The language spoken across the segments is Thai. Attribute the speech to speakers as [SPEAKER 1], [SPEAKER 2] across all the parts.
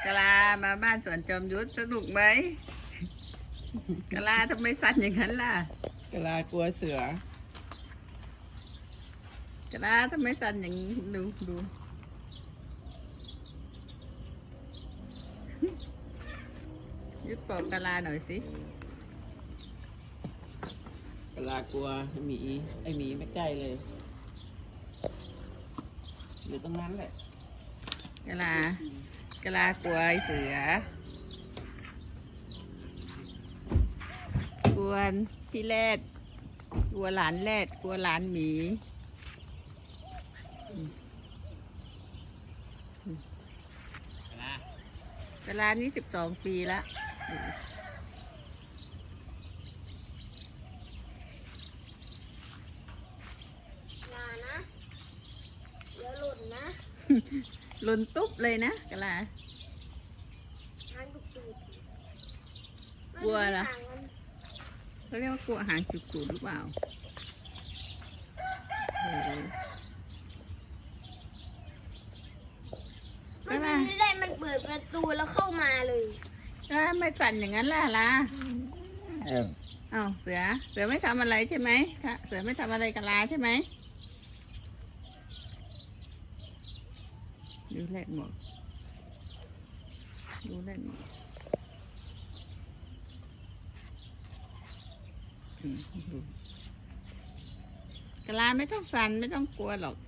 [SPEAKER 1] กะลามาบ้านสวนจอมยุทธสนุกไหมกะลาทำไมสั่นอย่างนั้นล่ะ
[SPEAKER 2] กะลากลัวเสือก
[SPEAKER 1] ะลาทำไมสั่นอย่างนี้ดูยุทธบอกกะลาหน่อยสิ
[SPEAKER 2] กะลากลัวหมีไอหมีไม่ใกล้เลยอยู่ตรงนั้นแหละ
[SPEAKER 1] กะลากลัวไอ้เสือกลัวพี่แรดกลัวหลานแรดกลัวหลานหมีกะลานี่12 ปีละ
[SPEAKER 3] อย่านะเดี๋ยวหล่นนะ
[SPEAKER 1] หล่นตุ๊บเลยนะกะลา
[SPEAKER 3] หางจุก
[SPEAKER 1] กลัวเหรอ
[SPEAKER 3] หางมัน
[SPEAKER 1] เขาเรียกว่ากลัวหางจุกๆหรือเปล่าโอ้โห
[SPEAKER 3] เมื่อกี้ได้มันเปิดประตูแล้วเข้ามาเลย
[SPEAKER 1] ไม่สั่นอย่างนั้นล่ะล่ะอ้าวเสือไม่ทำอะไรใช่ไหมคะเสือไม่ทำอะไรกะลาใช่ไหมดูแลหมดดูกะลาไม่ต้องสั่นไม่ต้องกลัวหรอก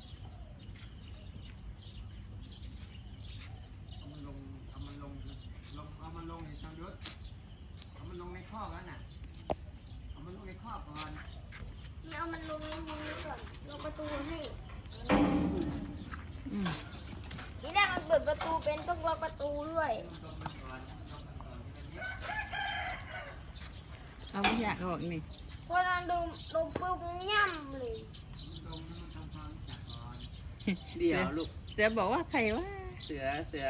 [SPEAKER 4] เอามันลงในช่างยศเอามันลงในคอกแล้วน่ะเอามันลงในคอกก่อน
[SPEAKER 3] นี่เอามันลงในมือก่อนลงประตูให้
[SPEAKER 1] อืม
[SPEAKER 3] ทีแรกมันเปิดประตูเป็นต้องล็อกประตูด้วย
[SPEAKER 1] เอาไม่อยากออกนี่
[SPEAKER 3] พอเราลงปุ๊บย่ำเลย
[SPEAKER 4] ลงให้มันทำความรู้จักก่อน
[SPEAKER 2] เดี๋ยวลูก
[SPEAKER 1] เสือบอกว่าใครว่า
[SPEAKER 2] เสือ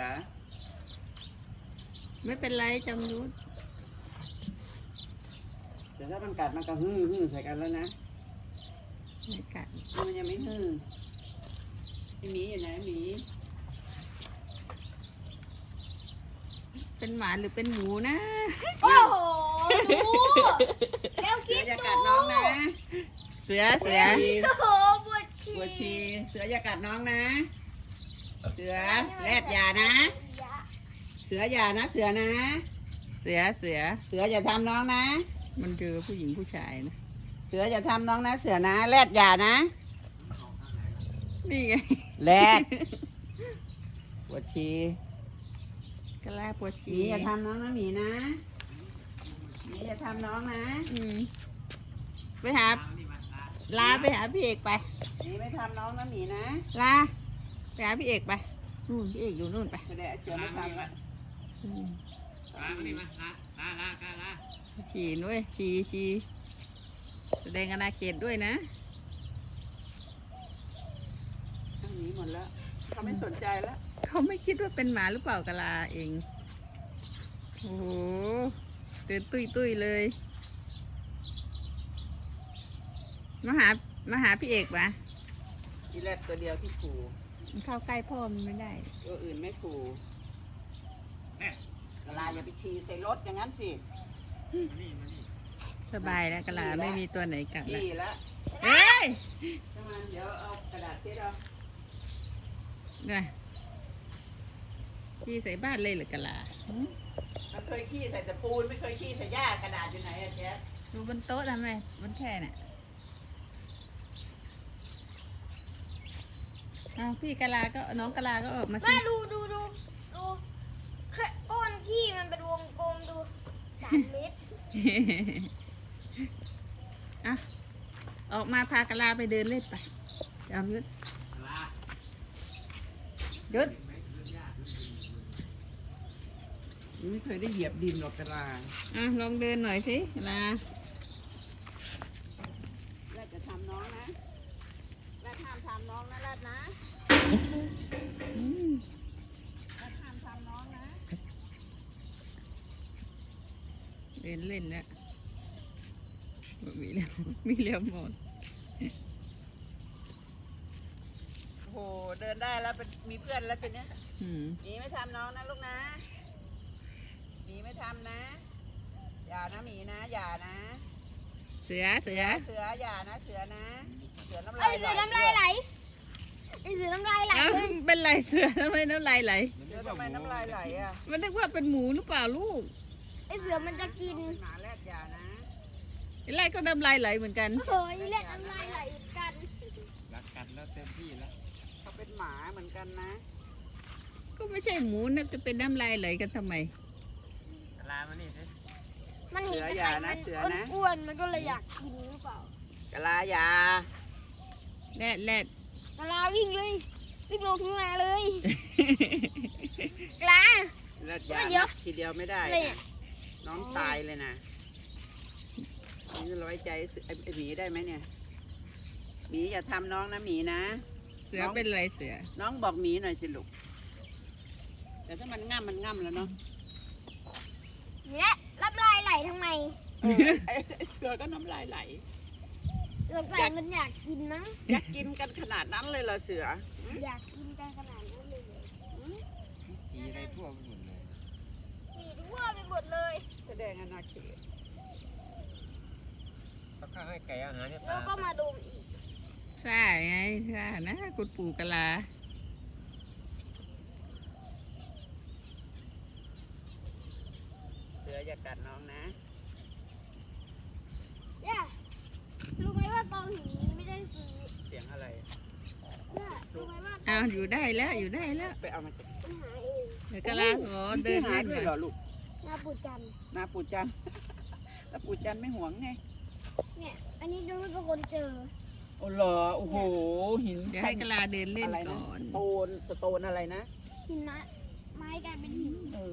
[SPEAKER 1] ไม่เป็นไรจำยุทธ
[SPEAKER 2] แต่ถ้ามันกัดมันก็ฮือใส่กันแล้วนะ
[SPEAKER 1] ไม่กัด
[SPEAKER 2] มันยังไม่ฮือไอหมีอยู่ไหนหมี
[SPEAKER 1] เป็นหมาหรือเป็นหมูนะ
[SPEAKER 3] โอ้โหดูแล้ว
[SPEAKER 2] เสื
[SPEAKER 3] คิ
[SPEAKER 2] อ
[SPEAKER 3] ด
[SPEAKER 2] อย่า
[SPEAKER 3] ดู
[SPEAKER 2] กัดน้องนะ
[SPEAKER 1] เสือ
[SPEAKER 3] โอ้โหปวดฉี่
[SPEAKER 2] ปวดฉี่เสืออย่ากัดน้องนะ เสือแรดอย่านะ เสืออย่านะ เสือนะ
[SPEAKER 1] เสือ
[SPEAKER 2] เสืออย่าทำน้องนะ
[SPEAKER 1] มันเจอผู้หญิงผู้ชายนะ
[SPEAKER 2] เสืออย่าทำน้องนะ เสือนะแรดอย่านะ
[SPEAKER 1] นี่ไง
[SPEAKER 2] แรดปวดฉี่
[SPEAKER 1] กะลาปวด
[SPEAKER 2] หมี
[SPEAKER 1] ฉี่
[SPEAKER 2] อย่าทำน้องนะหมีนะหมีอย่าทำน้องนะ
[SPEAKER 1] อืมไปหาลาไปหาพี่เอกไป
[SPEAKER 2] หมีไม่ทำน้องนะหมีนะ
[SPEAKER 1] ลาไปหาพี่เอกไปนู่นพี่เอกอยู่นู่นไป
[SPEAKER 2] แสดงเสือไม่ทำละ
[SPEAKER 1] อืม
[SPEAKER 4] ลามานี่มาลา
[SPEAKER 1] ฉี่ด้วยฉี่แสดงอาณาเขตด้วยนะ
[SPEAKER 2] ทั้งหมีหมดแล้วเขาไม่สนใจแล้ว
[SPEAKER 1] เขาไม่คิดว่าเป็นหมาหรือเปล่ากะลาเองโอ้โหเดินตุ้ยเลยมาหาพี่เอกปะ
[SPEAKER 2] ที่แรกตัวเดียวที่ขู่
[SPEAKER 1] มันเข้าใกล้พ่อมันไม่ได้
[SPEAKER 2] ตัวอื่นไม่ขู่เวลาอย่าไปฉี่ใส่รถอย่างนั้นสิ
[SPEAKER 4] มานี่
[SPEAKER 1] สบายแล้วกะลาไม่มีตัวไหนกัดแล้ว
[SPEAKER 2] ฉี่แล้ว
[SPEAKER 1] เฮ้ย
[SPEAKER 2] ถ้ามันเดี๋ยวเอากระดาษเช็ดเอา
[SPEAKER 1] เนี่ยพี่ใส่บ้านเลยเหรือกะลาหืม
[SPEAKER 2] มันเคยขี้ใส่แต่ปูนไม่เคยขี้ใส่หญ้ากระดาษอยู่ไหนอะแจ๊ส
[SPEAKER 1] ดูบนโต๊ะทำไมบนแค่น่ะอ้าวพี่กะลาก็น้องกะลาก็ออกมาสิ
[SPEAKER 3] แม่ดูแค่ก้อนขี้มันเป็นวงกลมดู3 เมตร
[SPEAKER 1] อ่ะออกมาพากะลาไปเดินเล่นไปจอมยุทธ
[SPEAKER 4] ลา
[SPEAKER 1] ยุทธ
[SPEAKER 2] ไม่เคยได้เหยียบดินหรอกกระลา
[SPEAKER 1] อ่ะลองเดินหน่อยสิกะลา
[SPEAKER 2] แรดจะทำน้องนะแรดห้ามทำน้องนะแรดนะ
[SPEAKER 1] อืม
[SPEAKER 2] แรดห้ามทำน้องนะ
[SPEAKER 1] เดินเล่นแล้วมีเลี้ยวหมด
[SPEAKER 2] โอ้โหเดินนได้แล้วเป็นมีเพื่อนแล้วทีเนี้ย
[SPEAKER 1] อืม
[SPEAKER 2] หมีไม่ทำน้องนะลูกนะหมีไม่ทำนะ อย่านะหมีนะอย่านะ
[SPEAKER 1] เสือเสือ
[SPEAKER 2] เสืออย่านะเสือนะเสือน้ำ
[SPEAKER 3] ไอ้
[SPEAKER 2] ลาย
[SPEAKER 3] เสือน้ำลายไหลไอ้เสือน้ำลายไหล
[SPEAKER 1] เอ้า
[SPEAKER 3] เลย
[SPEAKER 1] เป็นไรเสือทำไมน้ำลายไหล
[SPEAKER 2] เสือทำไมน้ำลายไหลอ่ะ
[SPEAKER 1] มันนึกว่าเป็นหมูหรือเปล่าลูก
[SPEAKER 3] ไอ้เสือมันจะกิน
[SPEAKER 2] หมาแรดอย่านะ
[SPEAKER 1] ไอ้ไรก็น้ำลายไหลเหมือนกัน
[SPEAKER 3] โอ้ยเลือดน้ำลายไหลเหมือนกัน
[SPEAKER 4] รักกันแล้วเต็มที่แล้ว
[SPEAKER 2] เขาเป็นหมาเหมือนกันนะ
[SPEAKER 1] ก็ไม่ใช่หมูนะจะเป็นน้ำลายไหลกันทำไม
[SPEAKER 4] ลามานี่สิ
[SPEAKER 3] มันเห็น
[SPEAKER 2] เสือ
[SPEAKER 3] แต่
[SPEAKER 2] อย่า
[SPEAKER 3] ไข่
[SPEAKER 2] นะ
[SPEAKER 3] มัน
[SPEAKER 2] เสือนะ
[SPEAKER 3] อ้วนๆมันก็เลยอยากกินหรือเปล่าก
[SPEAKER 2] ะลาอย่า
[SPEAKER 1] แรดแรด
[SPEAKER 3] กะลาวิ่งเลยวิ่งลงทุ่งนาเลยกะลา
[SPEAKER 2] แรดอย่า
[SPEAKER 3] เดี๋ยว
[SPEAKER 2] นะทีเดียวไม่ได้
[SPEAKER 3] อะไร
[SPEAKER 2] นะ
[SPEAKER 3] อ่ะ
[SPEAKER 2] น้องตายเลยนะนี่ร้อยใจไอ้หมีได้ไหมเนี่ยหมีอย่าทำน้องนะหมีนะ
[SPEAKER 1] เสือเป็นไรเสือ
[SPEAKER 2] น้องบอกหมีหน่อยสิลูกแต่ถ้ามันง่ำมันง่ำแล้วเนาะ
[SPEAKER 3] เนี่ยรับลายไหลทำไม
[SPEAKER 2] ไอ้เสือก็น้ำลายไหล
[SPEAKER 3] รับลายมันอยากกินนะ
[SPEAKER 2] อยากกินกันขนาดนั้นเลยเหรอเสือ
[SPEAKER 3] อยากกินกันขนาดนั้นเลยเหรอ
[SPEAKER 4] ตีอะไรทั่วไปหมดเลย
[SPEAKER 3] มีทั่วไปหมดเลย
[SPEAKER 2] แสดงอนาเขต
[SPEAKER 4] เขาข้าให้ไก่อาหารเนี่ย
[SPEAKER 3] แล้ว
[SPEAKER 4] ตา
[SPEAKER 3] ก็มาดมอีก
[SPEAKER 1] ใช่ไงใช่นะคุณปู่กะลา
[SPEAKER 2] เสืออย่ากัดน้องนะ
[SPEAKER 3] เนี่ยรู้ไหมว่าตอนหินนี้ไม่ได้ซื้อ
[SPEAKER 2] เสียงอะไร
[SPEAKER 3] เนี่ยรู้ไหมว่า
[SPEAKER 1] อ้าวอยู่ได้แล้วอยู่ได้แล้ว
[SPEAKER 2] ไปเอามาจาก
[SPEAKER 3] ปัญหาเอง
[SPEAKER 1] เดี๋ยวกะลาขอเดิน
[SPEAKER 2] หา
[SPEAKER 1] เล่น
[SPEAKER 2] ด้วย
[SPEAKER 1] ก่
[SPEAKER 2] เหร
[SPEAKER 1] อ
[SPEAKER 2] อน ลูก
[SPEAKER 3] หน้าปูจันทร์
[SPEAKER 2] นาปูจัน แล้วปูจันไม่ห่วงไง
[SPEAKER 3] เนี่ย อันนี้ดูเป็นคนเจอ
[SPEAKER 2] โอ้เหรอโอ้โหหิน
[SPEAKER 1] เดี๋ยวให้กะลาเดินเล่น
[SPEAKER 2] อะไรนะ
[SPEAKER 1] ก่อน
[SPEAKER 2] สโตนอะไรนะ
[SPEAKER 3] หินนะไม้กลายเป็นหิน
[SPEAKER 2] เออ